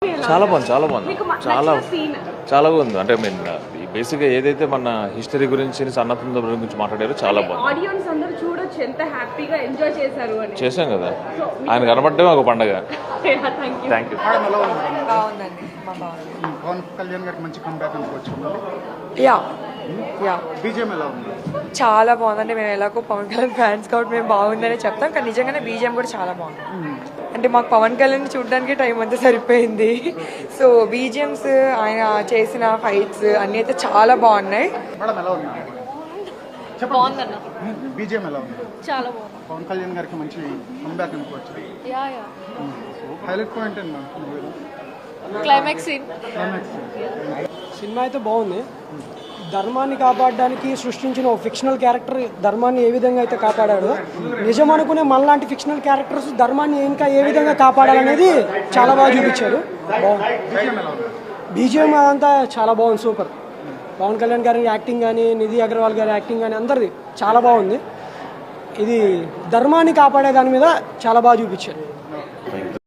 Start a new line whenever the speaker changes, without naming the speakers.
చాలా బాగుంది, చాలా బాగుంది, చాలా చాలా బాగుంది. అంటే మీన్ బేసిక్గా ఏదైతే మన హిస్టరీ గురించి సన్నద్ధం గురించి మాట్లాడారో చాలా బాగుంది.
ఆడియన్స్ అందరూ చూడొచ్చు ఎంత హ్యాపీగా ఎంజాయ్ చేశారు అని.
చేశాం కదా, ఆయన కనబడటమే ఒక పండగ. Thank you.
బాగుందండి,
పవన్ కళ్యాణ్ గారికి మంచి కంబ్యాక్ అనుకోవచ్చు.
యా యా
బీజేఎం ఎలా ఉంది?
చాలా బాగుందండి. మేము ఎలాగో పవన్ కళ్యాణ్ ఫ్యాన్స్ కాబట్టి మేము బాగుందనే చెప్తాం, కానీ నిజంగానే బీజిఎం కూడా చాలా బాగుంది. అంటే మాకు పవన్ కళ్యాణ్ చూడడానికి టైం అంతా సరిపోయింది. సో బీజిఎమ్స్, ఆయన చేసిన ఫైట్స్ అన్నీ అయితే చాలా బాగున్నాయి.
మేడం ఎలా ఉంది?
బాగుందన్న,
బీజేఎం ఎలా ఉంది?
చాలా బాగుంది.
పవన్ కళ్యాణ్ గారికి మంచి కంబ్యాక్ అనుకోవచ్చు.
యా యా
హైలైట్ పాయింట్ ఏంటి?
Climax scene.
సినిమా అయితే బాగుంది. ధర్మాన్ని కాపాడడానికి సృష్టించిన ఒక ఫిక్షనల్ క్యారెక్టర్ ధర్మాన్ని ఏ విధంగా అయితే కాపాడాడో, నిజం అనుకునే మనలాంటి ఫిక్షనల్ క్యారెక్టర్స్ ధర్మాన్ని ఇంకా ఏ విధంగా కాపాడాలనేది చాలా బాగా చూపించారు. బీజిఎం అదంతా చాలా బాగుంది, సూపర్. పవన్ కళ్యాణ్ గారి యాక్టింగ్ కానీ, నిధి అగర్వాల్ గారి యాక్టింగ్ కానీ అందరిది చాలా బాగుంది. ఇది ధర్మాన్ని కాపాడే దాని మీద చాలా బాగా చూపించారు.